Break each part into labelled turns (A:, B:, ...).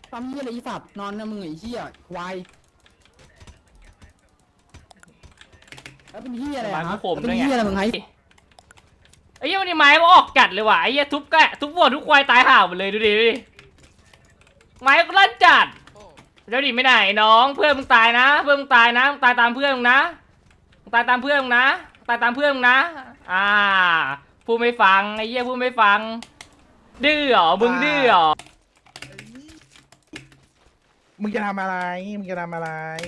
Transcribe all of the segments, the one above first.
A: ทำเหี้ยอะไรอีสัตว์นอนนะมึงไอ้เหี้ยควายแล้วเป็นเหี้ยอะไรฮะเป็นเหี้ยอะไรมึงไง
B: ไอ้เหี้ยวันนี้ไม้มันออกจัดเลยว่ะไอ้เหี้ยทุบแกะทุบวัวทุกควายตายห่าหมดเลยดูดิไม้ก็ลั่นจัดเดี๋ยวดิไม่ได้น้องเพื่อนมึงตายนะเพื่อนมึงตายนะมึงตายตามเพื่อนมึงนะมึงตายตามเพื่อนมึงนะตายตามเพื่อนมึงนะพูดไม่ฟังไอ้เหี้ยพูดไม่ฟังดื้อเหรอมึงดื้อเหรอ
C: มึงจะทำอะไรมึงจะทำอะไร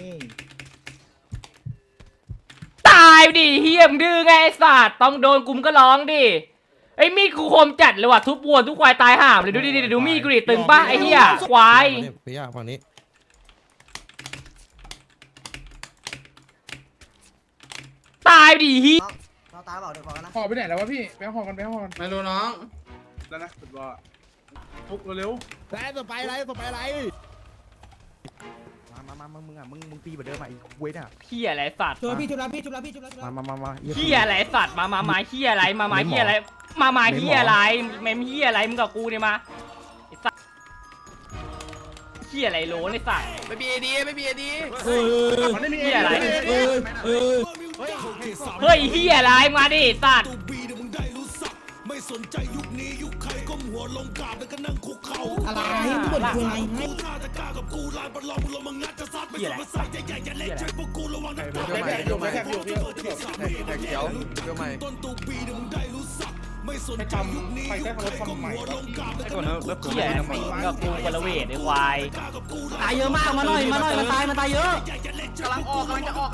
B: ตายดิเฮียมดื้อไงไอ้สัตว์ต้องโดนกุมก็ร้องดิไอ้มีดกูคมจัดเลยว่ะทุบวัวทุกควายตายห่ามเลยดูดิดูมีดกูดิตึงป่ะไอ้เหี้ยควาย
D: พี่ย่าฝั่งนี้
B: ตายดิเฮีย
E: เราตายเปล่าเดี๋ยวบอกกันนะ
C: ห่อไปไหนแล้ววะพี่ไปห่อกันไปห่อกัน
F: ไม่รู้น้อง
C: แล้วนะสุดว่าฟุกเร็ว
D: ไล่ต่อไปไล่ต่อไปไล่
C: มามึงอ่ะมึงตีแบบเดิมอ่ะอีกเว้ยน่ะ
B: เฮียอะไรสัตว์
E: จุฬาพี่จุฬาพี่จุฬาพี่จุฬา
C: มา
B: เฮียอะไรสัตว์มาเฮียอะไรมาเฮียอะไรมาเฮียอะไรเมมเฮียอะไรมึงกับกูเนี่ยมาไอ้สัตว์เฮียอะไรโหลไอ้สัตว์
F: ไม่มีไอดีไม่มีไอดี
C: มันไม่มี
B: เฮียอะไร
D: เออ
B: เฮ้ยเฮียอะไรมาดิสัตว์
E: อะไรมึงบ่นคุยอะไรให้
B: เฮียอะไร
C: เดี๋ยวใหม่แท็กอยู่พี่แท็กเขียวเดี๋ยวใหม่ให้ทำไปแค่คำว่าทำใหม่
B: เฮียอะไรกับกูกระเวทไอ้ควาย
A: ตายเยอะมากมาหน่อยมันตายเยอะ
F: กำลังจะออก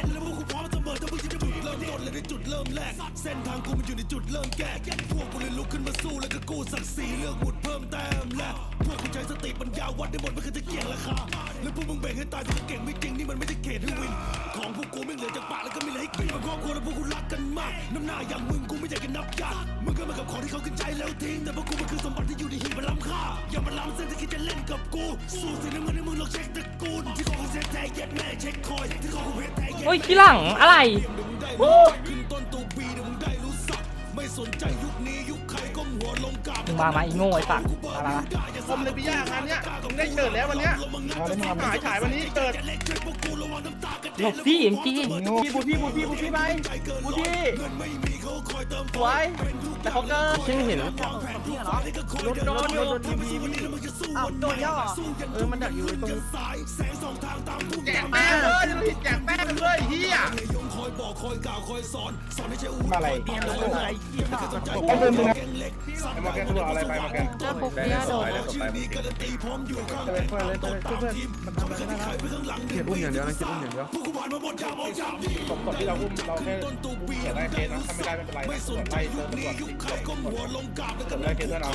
B: โอ้ยขี้หลังอะไรมาอีโง่ไอ้สัตว์มา
C: ผมเลยพี่ย่างานเนี้ยมึงได้เกิดแล้ววันเนี้ยฉายวันนี้เกิด
B: หลบพี่เอ็มจี
C: บูพี่ไปบูพี่สวยแต่เขาเกิด
A: ฉันเห็น
C: โดนอยู่
E: อ้าวโดนย่อ
C: มันดักอยู่ตรงแจกแป้งเลยจะผิดแจกแป้งเลยเฮียมาอะไรเอาเดินตรงนั้นมาแกนตัวอะไรไปมาแกนจะไปเพื่อนมันทำอะไรได้เขียนอุ้มอย่างเดียวนะเขียนอุ้มอย่างเดียวสมกดที่เราอุ้มเราแค่เขียนได้เคสนะถ้าไม่ได้ไม่เป็นไรนะกดไล่เติมกดทิ้งกดไล่เคสเพื่อนเอา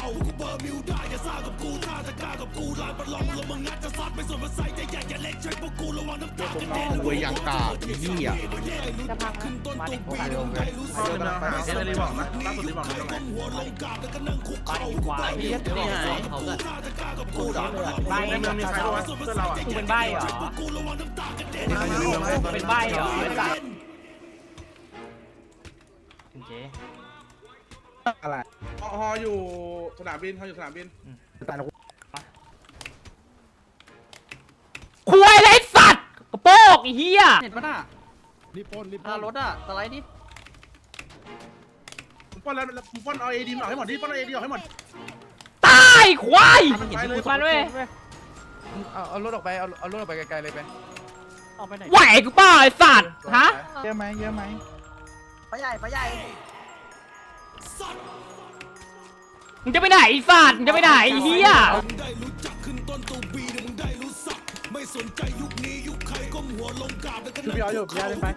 C: คุยยังกาไอ้เหี้ย
B: จะพังนะมาดิ
C: เดี๋ยวเอ็นรีบอกนะล่าสุดรีบอกนะตรงไหน
B: ไปควายนี่ไงเขาเกิดกูเหรอใบ
C: ในเมืองมีใครวะเพื่อนเราอ่ะ
B: กูเป็นใบเหรอเป็นใบเหรอไอ้สัตว์เจ๊
C: อะไรฮออยู่สนามบินเขาอยู่สนามบิน
B: คุยอะไรสัตว์กระโปงไอ้เหี้ย
A: เห็นปะน่ะ
D: รีบปน
A: รถอ่ะสไลด์ดิ
C: ผมป้อนแล้วผมป้อนเอาเอดีออกให้หมดดิป้อนเอาเอดีออกให้หมด
B: ตายควาย
C: ไปเลย
B: มันเว้ย
G: เอารถออกไปเอารถออกไปไกลๆเลยไป
B: ไหวกูเปล่าไอ้สัตว์ฮะ
C: เยอะไหม
E: ไปใหญ่ไปใหญ่
B: มึงจะไปไหนไอ้สัตว์มึงจะไปไหนไอ้เหี้ย
C: พี่เอาอยู่พี่เอาเล่นไป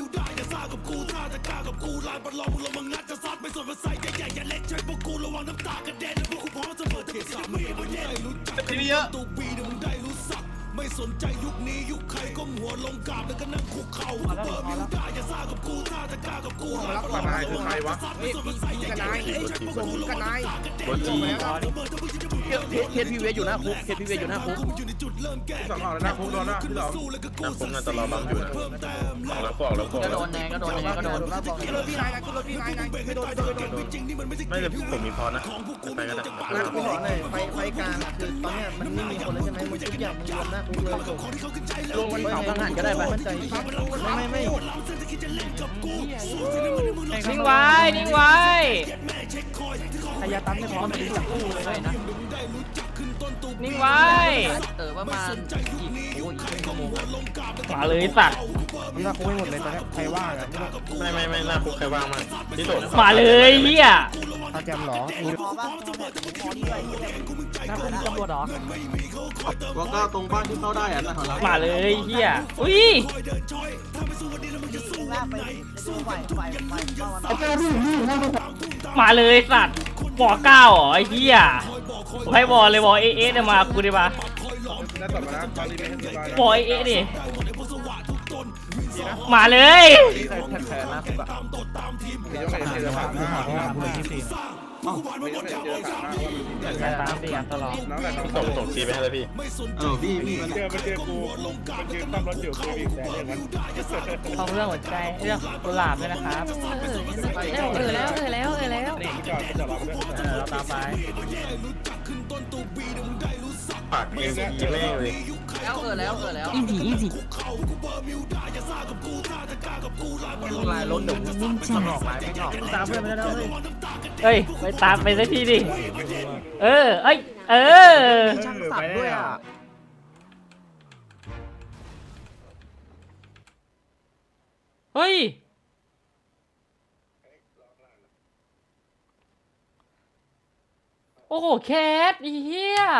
C: ทีนี้เยอะไม่สนใจยุคนี้ยุคใครก้มหัวลงกราบแล้วก็นั่งคุกเข่าเปิดมิวได้อย่าซ่ากับกูถ้าจะกล้ากับกูรับกว่านายคือใครวะพี่กับนายส่งกับนายเคสพีเวอยู่หน้าคุกเคสพีเวอยู่หน้าคุกสองออกแล้วหน้าคุกโดนหน้าพี่หรอหน้าคุกน่าจะรอบังอยู่นะออกแล้วก็
A: ก็โดนแน่ก็โดน
C: รถพี่นายนะขึ้นรถพี่นายไม่โดนไม่แต่ผมมีพอนะไปก็ได้
E: ไฟกลางคือ
A: ตอนเนี้ยมันไม่มีคนเลยใช่ไหมมึงทุกอย่างมึงรวมหน้าคุกเลยจบ
G: ลงวันเขาทหารก็ได้ปะ
A: มั่นใจไม่
B: นิ่งไว้นิ่งไว้
A: อายาตั้มไม่พร้อมเลยจับคู่เลยนะ
B: นิ่งไว้
G: ประมาณอีกชั่วโมง
B: มาเลยสัตว์
D: นี่ถ้าคุกไม่หมดเลยตอนนี้ใครว่างอ่ะ
H: ไม่หน้าคุกใครว่างมากที่สุด
B: มาเลยเฮีย
D: ถ้าแกมหรอ
E: พอป่ะพอนี่ด้วย
A: ถ้าคุณตำรวจเหรอ
H: ว่าก็ตรงบ้านที่เข้าได้อะนะขอรับ
B: มาเลยเฮียอุ้ย
E: ลากไปดูไหวเข้ามา
B: มาเลยสัตว์วอ9เหรอไอ้เฮียให้วอเลยวอเอเนี่ยมากูดิมา
C: ได้ต่อมาแล้วตอนนี้ไม่สบาย
B: วอเอดิมาเลย
G: แทนนะผมก็
C: มีต้องเห็นเจอผ่านหน้ามีต้องเห็นเจอผ่านหน้าว่ามัน
A: ตามเสียงตลอด
C: น้องแต่
H: ส่งซีไปให้เลยพี่พี่มัน
C: เจอกูมันยืนตั้มรถอยู่คืออีกแต่เรื่องนั้น
A: ท้องเรื่องหัวใจเรื่องกุหลาบด้วยนะครับแล้ว
C: นี่จอดเราด้วย
A: เราตามไป
H: ปากเองยีแม่งเลย
G: แล้ว
A: อีซี่
G: ลายรถเดี๋ยวสมองลายไม่ออก
A: ตามเพื่อนไปแล้วเลย
B: เฮ้ยไปตามไปสักทีดิเอ้ย
G: ช่างสับด้วยอ่ะ
B: เฮ้ยโอ้โหแคทไอ้เหี้ย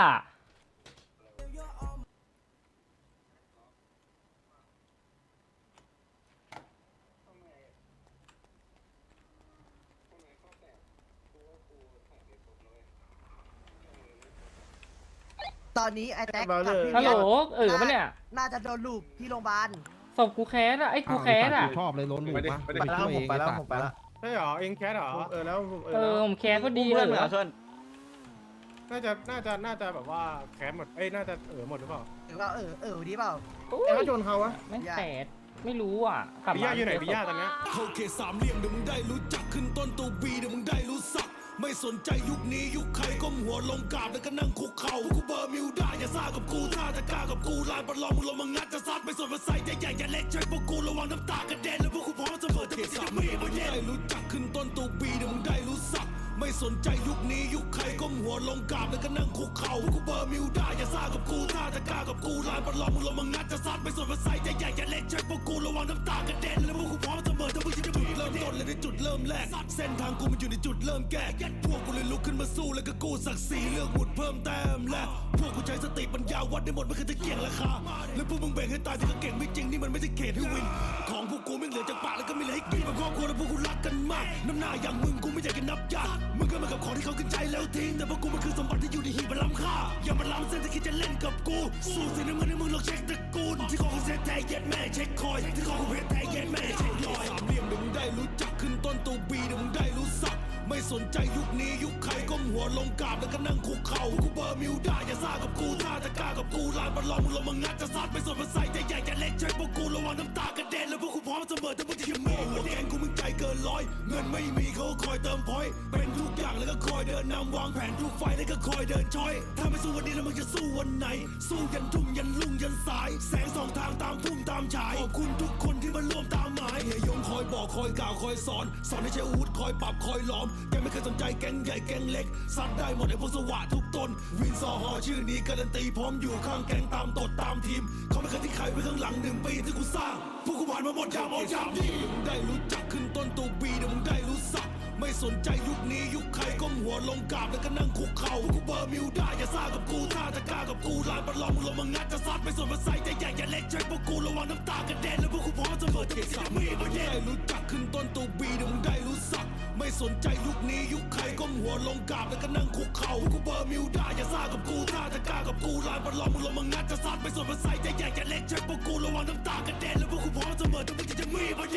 E: ตอนนี้ไอ้แท็กกับพี่
B: ฮัลโหลปะเนี่ย
E: น่าจะโดนลูบที่โรงพยาบาล
B: ศพกูแคทอะไอ้กูแคทอะ
D: ชอบเลยล้นหมูปะ
G: ไปแล้วผมไปแล้ว
C: ใช่หรอเองแคสหรอแล้ว
B: ผมแคทก็ดีเลยเหรอ
C: น่าจะแบบว่าแคสหมดน่าจะหมดหรือเปล่า
E: หรือว่าดีเปล่า
C: แล้วโดนเขาวะ
B: ไม่แคทไม่รู้อ่ะกลับ
C: พี่ย่าอยู่ไหนพี่ย่าตอนนี้
I: เข้าเขตสามเหลี่ยมเดี๋ยวมึงได้รู้จักขึ้นต้นตัวบีเดี๋ยวมึงได้รู้สักไม่สนใจยุคนี้ยุคใครก้มหัวลงกราบแล้วก็นั่งคุกเข่ากูเบอร์มิวได้อย่าซ่ากับกูถ้าจะกล้ากับกูลายประลองมึงลงมางัดจะซัดไม่สนว่าใส่ใหญ่ๆอย่าเล็กใช้พวกกูระวังน้ำตากระเด็นแล้วพวกกูพร้อมเสมอเขตสามเหลี่ยมมึงได้รู้จักขึ้นต้นตัวบีเดี๋ยวมึงได้รู้สักไม่สนใจยุคนี้ยุคใครก้มหัวลงกราบแล้วก็นั่งคุกเข่ากูเบอร์มิวได้อย่าซ่ากับกูถ้าจะกล้ากับกูลายประลองมึงลงมางัดจะซัดไม่สนว่าใส่ใหญ่ๆอย่าเล็กใช้พวกกูระวังน้ำตากระเด็นแล้วพวกกูพร้อมเสมอถ้ามึงจะเริ่มต้นเลยในจุดเริ่มแรกเส้นทางกูมันอยู่ในจุดเริ่มแก่พวกกูเลยลุกขึ้นมาสู้แล้วก็กู้ศักดิ์ศรีเลือกหมุดเพิ่มแต้มและพวกกูใช้สติปัญญาวัดได้หมดไม่เคยจะเกี่ยงราคาแล้วพวกมึงแบ่งให้ตายที่ก็เก่งไม่จริงนี่มันไม่ใช่เขตให้วินของพวกกูไม่เหลือจากปากแล้วก็ไม่เหลือให้กินเป็นครอบครัวแล้วพวกกูรักกันมากน้ำหน้าอย่างมึงกูไม่อยากจะนับญาติมึงก็มากับของที่เขาขึ้นใจแล้วทิ้งแต่พวกกูมันคือสมบัติที่อยู่ในหีบมันล้ำค่าอย่ามาล้ำเส้นที่คิดจะเล่นกับกูสู้สิน้ำเงินให้มึงลองเช็คตระกูลที่ของกูเซ็ตแท้เย็ดแม่เช็คคอยที่ของกูเพชรแท้เย็ดแม่เช็คลอยสามเหลี่ยมเดี๋ยวมึงได้รู้จักขึ้นต้นตัวบีเดี๋ยวมึงได้รู้สักไม่สนใจยุคนี้ยุคใครก้มหัวลงกราบแล้วก็นั่งคุกเข่ากูเบอร์มิวได้อย่าซ่ากับกูถ้าจะกล้ากับกูลายประลองมึงลงมางัดจะซัดไม่สนว่าใส่ใหญ่ๆอย่าเล็กใช้พวกกูระวังน้ำตากระเด็นแล้วพวกกูพร้อมเสมอถ้ามึงจะมีหัวแดงกูมึงใจเกินร้อยเงินไม่มีเขาคอยเติมพอยเป็นทุกอย่างแล้วก็คอยเดินนำวางแผนทุกไฟแล้วก็คอยเดินช้อยถ้าไม่สู้วันนี้แล้วมึงจะสู้วันไหนสู้ยันทุ่มยันลุ่งยันสายแสงสองทางตามพุ่มตามฉายขอบคุณทุกคนที่มาร่วมตามหมายเฮียยงคอยบอกคอยกล่าวคอยสอนให้ใช้อาวุธคอยปรับคอยล้อมแกไม่เคยสนใจแก๊งใหญ่แก๊งเล็กซัดได้หมดไอ้พวกสวะทุกตนวินซอฮอชื่อนี้การันตีพร้อมอยู่ข้างแก๊งตามตดตามทีมเขาไม่เคยทิ้งใครไว้ข้างหลัง1 ปีที่กูสร้างพวกกูผ่านมาหมดอย่างเอาอย่างนี่มึงได้รู้จักขึ้นต้นตัวบีเดี๋ยวมึงได้รู้สักไม่สนใจยุคนี้ยุคใครก้มหัวลงกราบแล้วก็นั่งคุกเข่ากูเบอร์มิวได้อย่าซ่ากับกูถ้าจะกล้ากับกูลายประลองมึงลงมางัดจะซัดไม่สนว่าใส่ใหญ่ๆอย่าเล็กใช้พวกกูระวังน้ำตากระเด็นแล้วพวกกูพร้อมเสมอเขตสามเหลี่ยมมึงได้รู้จักขึ้นต้นตัวบีเดี๋ยวมึงได้รู้สักไม่สนใจยุคนี้ยุคใครก้มหัวลงกราบแล้วก็นั่งคุกเข่ากูเบอร์มิวได้อย่าซ่ากับกูถ้าจะกล้ากับกูลายประลองมึงลงมางัดจะซัดไม่สนว่าใส่ใหญ่ๆอย่าเล็กใช้พวกกูระวังน้ำตากระเด็นแล้วพวกกูพร้อมเสมอถ้ามึงจะมี